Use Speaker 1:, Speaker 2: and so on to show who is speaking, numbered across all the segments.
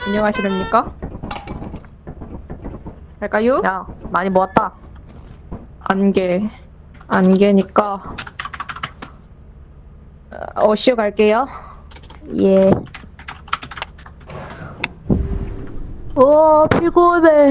Speaker 1: 안녕하십니까? 할까요?
Speaker 2: 야, 많이 모았다.
Speaker 1: 안개니까 어시오 갈게요.
Speaker 2: 예. 피곤해.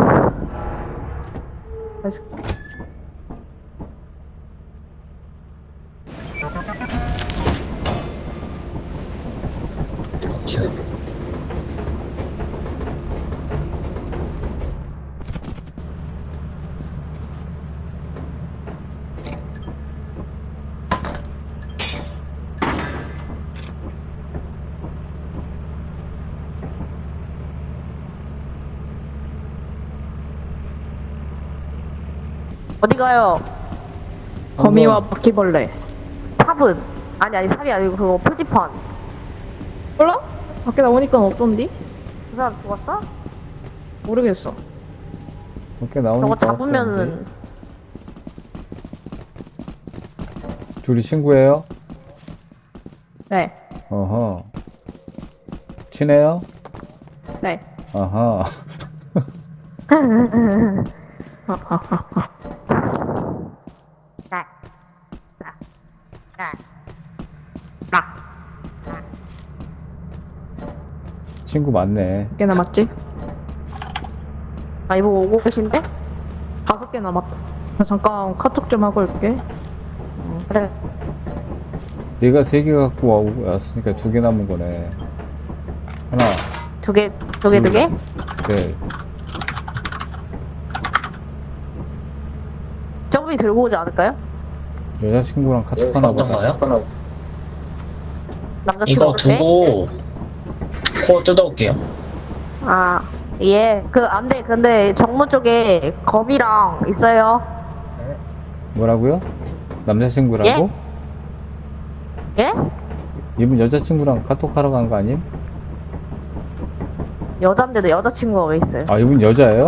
Speaker 2: 어디 가요?
Speaker 1: 거미와 바퀴벌레.
Speaker 2: 탑은? 아니, 탑이 아니고 그거 표지판.
Speaker 1: 몰라? 밖에 나오니까 없던디?
Speaker 2: 그 사람 죽었어?
Speaker 1: 모르겠어.
Speaker 3: 밖에 나오니까
Speaker 2: 저거 잡으면은,
Speaker 3: 둘이 친구예요?
Speaker 1: 네.
Speaker 3: 어허. 친해요?
Speaker 1: 네.
Speaker 3: 아하. 친구 많네.
Speaker 1: 몇 개 남았지?
Speaker 2: 아, 이거 오고 계신데?
Speaker 1: 5개 남았다. 잠깐 카톡 좀 하고 올게.
Speaker 2: 그래.
Speaker 3: 내가 3개 갖고 왔으니까 2개 남은 거네. 하나,
Speaker 2: 두 개?
Speaker 3: 셋.
Speaker 2: 저분이 들고 오지 않을까요?
Speaker 3: 여자친구랑 카톡 하나 보다.
Speaker 4: 어떤가요?
Speaker 2: 남자친구
Speaker 4: 이거
Speaker 2: 올 때?
Speaker 4: 두고 코 뜯어올게요.
Speaker 2: 아, 예. 안 돼. 근데 정문 쪽에 검이랑 있어요.
Speaker 3: 뭐라고요? 남자친구라고?
Speaker 2: 예?
Speaker 3: 이분 여자친구랑 카톡 하러 간 거 아님?
Speaker 2: 여잔데도 여자친구가 왜 있어요?
Speaker 3: 아, 이분 여자예요?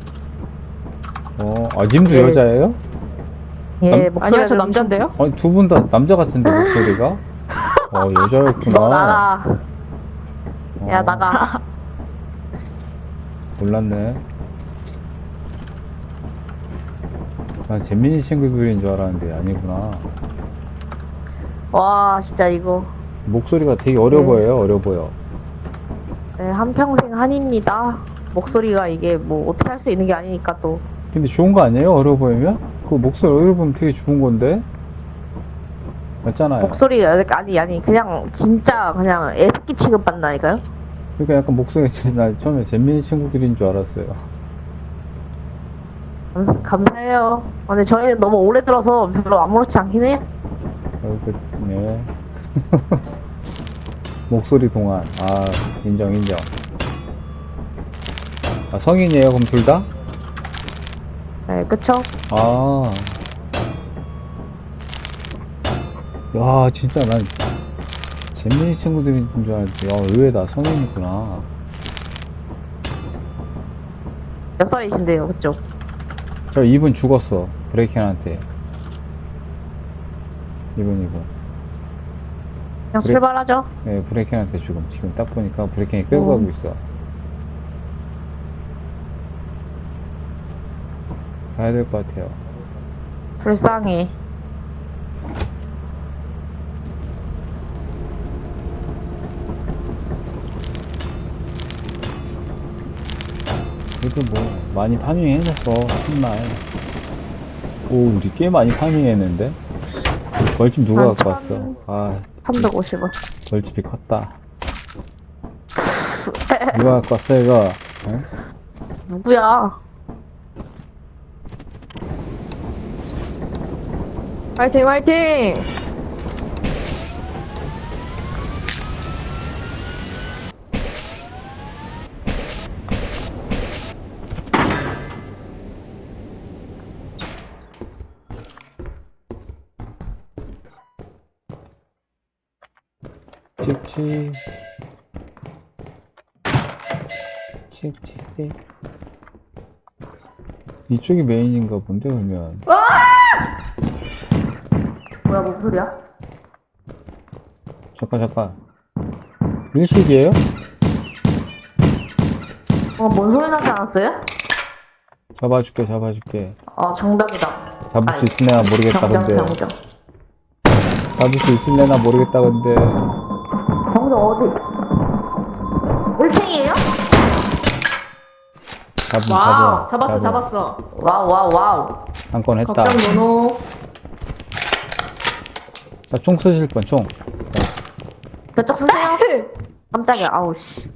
Speaker 3: 님도
Speaker 2: 예.
Speaker 3: 여자예요?
Speaker 2: 예,
Speaker 3: 남-
Speaker 2: 목소리가
Speaker 1: 아니요, 저
Speaker 2: 좀
Speaker 1: 남잔데요?
Speaker 3: 아니, 두 분 다 남자 같은데, 목소리가? 여자였구나.
Speaker 2: 너 나가. 야,
Speaker 3: 어,
Speaker 2: 나가.
Speaker 3: 몰랐네. 난 재민이 친구들인 줄 알았는데 아니구나.
Speaker 2: 와, 진짜 이거.
Speaker 3: 목소리가 되게 어려
Speaker 2: 네.
Speaker 3: 보여요, 어려 보여.
Speaker 2: 네, 한평생 한입니다. 목소리가 이게 뭐 어떻게 할 수 있는 게 아니니까 또.
Speaker 3: 근데 좋은 거 아니에요? 어려 보이면? 그 목소리 어려 보면 되게 좋은 건데? 맞잖아요.
Speaker 2: 목소리가, 아니, 그냥 진짜 그냥 애새끼 취급받나니까요?
Speaker 3: 그러니까 약간 목소리, 나 처음에 재민이 친구들인 줄 알았어요.
Speaker 2: 감사해요. 근데 저희는 너무 오래 들어서 별로 아무렇지 않긴 해요.
Speaker 3: 네. 목소리 동안. 인정. 성인이에요, 그럼 둘 다?
Speaker 2: 네, 그쵸?
Speaker 3: 야, 진짜 난 재민이 친구들인 줄 알았지. 의외다. 성인이구나.
Speaker 2: 몇 살이신데요, 그쵸?
Speaker 3: 저 이분 죽었어. 브레이켄한테. 이분.
Speaker 2: 그냥 출발하죠.
Speaker 3: 네, 브레이켄한테 죽음. 지금 딱 보니까 브레이켄이 끌고 가고 있어. 가야 될 것 같아요.
Speaker 2: 불쌍해.
Speaker 3: 그래도 뭐 많이 파밍해냈어. 정말. 우리 꽤 많이 파밍했는데. 벌집 누가
Speaker 2: 한
Speaker 3: 갖고 왔어?
Speaker 2: 350원.
Speaker 3: 벌집이 컸다. 누가 갖고 왔어 이거? 어?
Speaker 2: 누구야?
Speaker 1: 화이팅!
Speaker 3: 칙칙. 이쪽이 메인인가 본데 그러면.
Speaker 2: 뭐야, 무슨 소리야?
Speaker 3: 잠깐. 일식이에요?
Speaker 2: 뭔 소리 나지 않았어요?
Speaker 3: 잡아줄게, 잡아줄게.
Speaker 2: 정답이다.
Speaker 3: 잡을 수 있을래나 모르겠다, 근데.
Speaker 2: 정정.
Speaker 3: 잡을 수 있을래나 모르겠다, 근데.
Speaker 2: 정정 어디? 1층이에요?
Speaker 1: 와우,
Speaker 3: 잡아.
Speaker 1: 잡았어.
Speaker 2: 와우.
Speaker 3: 한 건 했다.
Speaker 1: 걱정 노노.
Speaker 3: 자, 총 쓰실 건 총.
Speaker 2: 저쪽 쓰세요. 깜짝이야, 아우, 씨.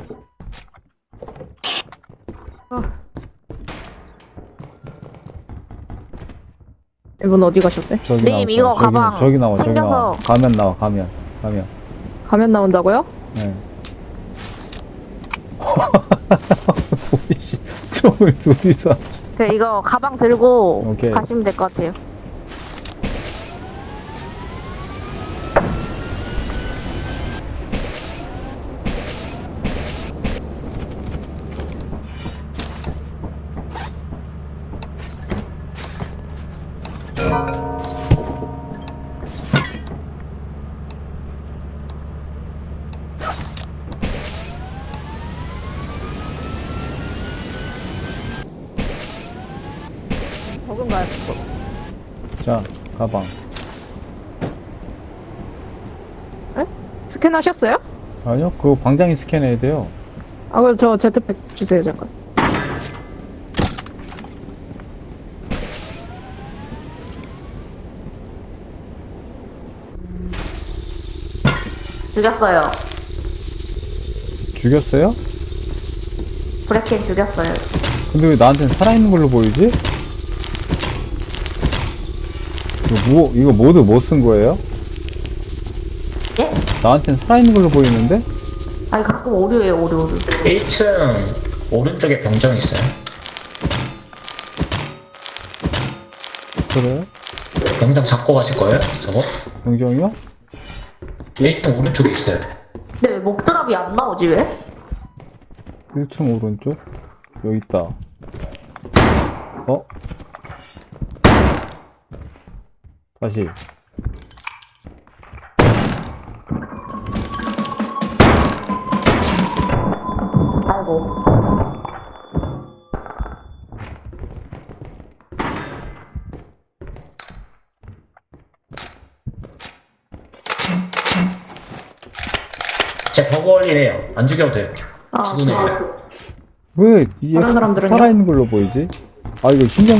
Speaker 1: 이분 어디 가셨대?
Speaker 3: 저기
Speaker 2: 님,
Speaker 3: 나와.
Speaker 2: 이거 가방
Speaker 3: 저기 나와, 저기
Speaker 2: 챙겨서.
Speaker 3: 나와. 가면 나와, 가면.
Speaker 1: 가면 나온다고요?
Speaker 3: 네. 오이씨, 총을 둘이서.
Speaker 2: 이거 가방 들고
Speaker 3: 오케이.
Speaker 2: 가시면 될 것 같아요.
Speaker 1: 적은가요?
Speaker 3: 자, 가방.
Speaker 1: 스캔하셨어요?
Speaker 3: 아니요, 그거 방장이 스캔해야 돼요.
Speaker 1: 아, 그럼 저 제트팩 주세요, 잠깐.
Speaker 2: 죽였어요.
Speaker 3: 죽였어요?
Speaker 2: 브레켄 죽였어요.
Speaker 3: 근데 왜 나한테는 살아있는 걸로 보이지? 이거 모두 못 쓴 거예요?
Speaker 2: 예?
Speaker 3: 나한테는 살아있는 걸로 보이는데?
Speaker 2: 아니, 가끔 오류예요, 오류.
Speaker 4: 1층 오른쪽에 병정 있어요.
Speaker 3: 그래요?
Speaker 4: 병정 잡고 가실 거예요? 저거?
Speaker 3: 영정이요?
Speaker 4: 1층 오른쪽에 있어요.
Speaker 2: 근데 왜 목드랍이 안 나오지, 왜?
Speaker 3: 1층 오른쪽? 여기 있다. 어? 다시.
Speaker 2: 아이고.
Speaker 4: 제 버거리네요. 안 죽여도 돼요.
Speaker 1: 아,
Speaker 4: 죽으네요.
Speaker 3: 왜 얘
Speaker 1: 다른 사람들은요?
Speaker 3: 살아있는 걸로 보이지? 아 이거 신경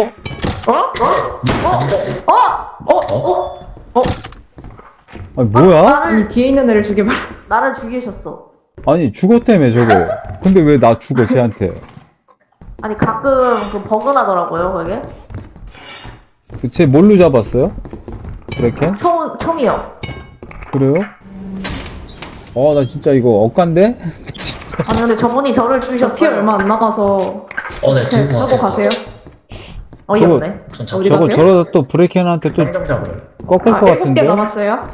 Speaker 3: 아니 뭐야?
Speaker 1: 아니, 뒤에 있는 애를 죽여봐.
Speaker 2: 나를 죽이셨어.
Speaker 3: 아니 죽었다며 저거. 근데 왜 나 죽어 쟤한테?
Speaker 2: 아니, 가끔 버그 나더라고요, 그게.
Speaker 3: 쟤 뭘로 잡았어요? 브레켄?
Speaker 2: 총이요.
Speaker 3: 그래요? 나 진짜 이거 억간데?
Speaker 2: 아니, 근데 저분이 저를
Speaker 1: 피
Speaker 2: 죽이셨어요.
Speaker 1: 얼마 안 나가서
Speaker 4: 네, 들고
Speaker 1: 하고 가세요.
Speaker 2: 어이없네.
Speaker 4: 우선
Speaker 1: 어디
Speaker 4: 잡고.
Speaker 3: 저거
Speaker 1: 가세요?
Speaker 3: 저러다 또 브레켄한테 또
Speaker 4: 병정 잡으러.
Speaker 3: 꺾을 것
Speaker 1: 7개
Speaker 3: 같은데?
Speaker 1: 남았어요.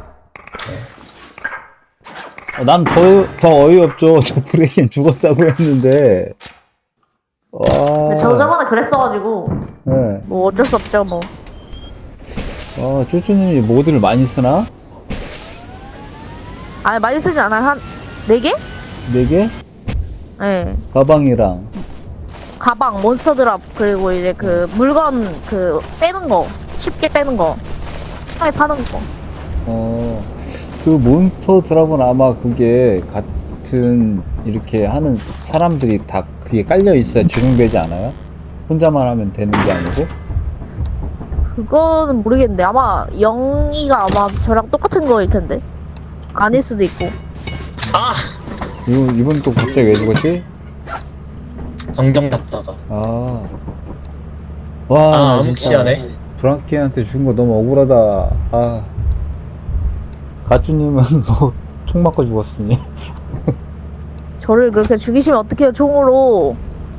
Speaker 3: 난 더 어이없죠. 저 브레켄 죽었다고 했는데. 와.
Speaker 2: 근데 저 저번에 그랬어가지고
Speaker 3: 네.
Speaker 2: 뭐 어쩔 수 없죠, 뭐.
Speaker 3: 쭈쭈님이 모드를 많이 쓰나?
Speaker 2: 아니, 많이 쓰진 않아요. 한 4개?
Speaker 3: 4개?
Speaker 2: 네.
Speaker 3: 가방이랑.
Speaker 2: 가방, 몬스터 드랍, 그리고 이제 그 물건 빼는 거. 쉽게 빼는 거. 처음에 파는 거.
Speaker 3: 그 몬스터 드랍은 아마 그게 같은 이렇게 하는 사람들이 다 그게 깔려 있어야 적용되지 않아요? 혼자만 하면 되는 게 아니고?
Speaker 2: 그거는 모르겠는데 아마 영희가 아마 저랑 똑같은 거일 텐데. 아닐 수도 있고.
Speaker 4: 아!
Speaker 3: 이분 또 갑자기 왜 죽었지?
Speaker 4: 병정 잡다가.
Speaker 3: 와,
Speaker 4: 암흑시하네.
Speaker 3: 브랑키한테 준 거 너무 억울하다. 가쭈님은 뭐 총 맞고 죽었으니.
Speaker 2: 저를 그렇게 죽이시면 어떡해요, 총으로.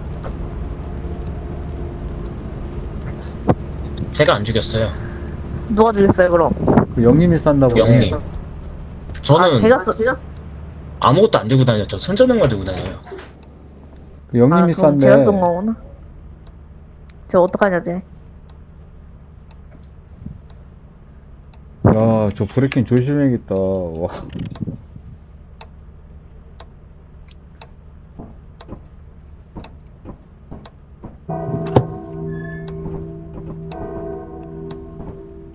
Speaker 4: 제가 안 죽였어요.
Speaker 2: 누가 죽였어요, 그럼?
Speaker 3: 그 영님이 싼다고.
Speaker 4: 영님. 저는
Speaker 2: 제가
Speaker 4: 아무것도 안 들고 다녔죠. 손전등만 들고 다녀요.
Speaker 3: 그 영님이
Speaker 2: 그럼
Speaker 3: 싼데.
Speaker 2: 제가 쏜 거구나. 저 어떡하냐, 쟤.
Speaker 3: 야, 저 브레이킹 조심해야겠다. 와.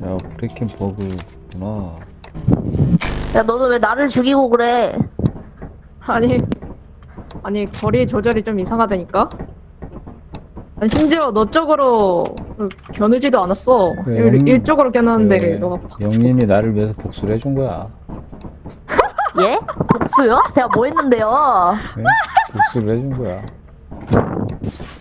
Speaker 3: 야, 브레이킹 버그구나.
Speaker 2: 야, 너는 왜 나를 죽이고 그래?
Speaker 1: 아니 거리 조절이 좀 이상하다니까? 난 심지어 너 쪽으로 겨누지도 않았어.
Speaker 3: 왜, 영-
Speaker 1: 일쪽으로 겨누는데
Speaker 3: 그래,
Speaker 1: 너가
Speaker 3: 영린이 나를 위해서 복수를 해준 거야.
Speaker 2: 예? 복수요? 제가 뭐 했는데요?
Speaker 3: 네? 복수를 해준 거야.